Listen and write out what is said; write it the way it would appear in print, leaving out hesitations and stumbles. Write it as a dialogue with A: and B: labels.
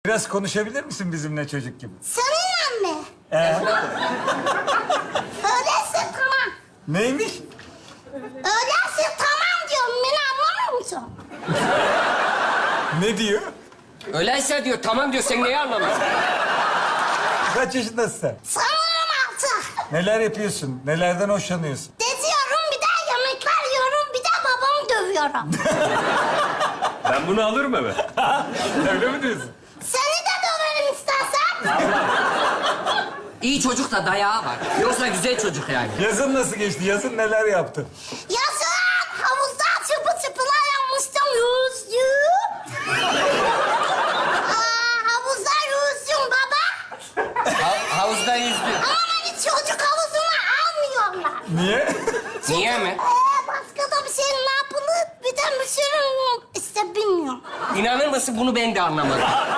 A: Biraz konuşabilir misin bizimle çocuk gibi?
B: Seninle mi? Öyleyse tamam.
A: Neymiş?
B: Öyleyse tamam diyorum. Beni anlamıyor musun?
A: Ne diyor?
C: Öyleyse diyor, tamam diyor. Sen neyi anlamıyorsun?
A: Kaç yaşındasın sen?
B: Sanırım altı.
A: Neler yapıyorsun? Nelerden hoşlanıyorsun?
B: Geziyorum, bir de yemekler yiyorum, bir de babamı dövüyorum.
D: Ben bunu alırım eve.
A: Öyle mi diyorsun?
B: Seni de döverim istersen.
C: İyi çocuk da dayağı var. Yoksa güzel çocuk yani.
A: Yazın nasıl geçti? Yazın neler yaptın?
B: Yazın havuzda çıpı çıpılar yapmıştım. Yüzdüm. Havuzda yüzdüm baba.
C: Havuzda yüzdü.
B: Ama beni çocuk havuzuna almıyorlar.
A: Niye?
C: Niye mi?
B: Başka da bir şey ne yapılır? Bir de bir sürü işte bilmiyorum.
C: İnanır mısın, bunu ben de anlamadım.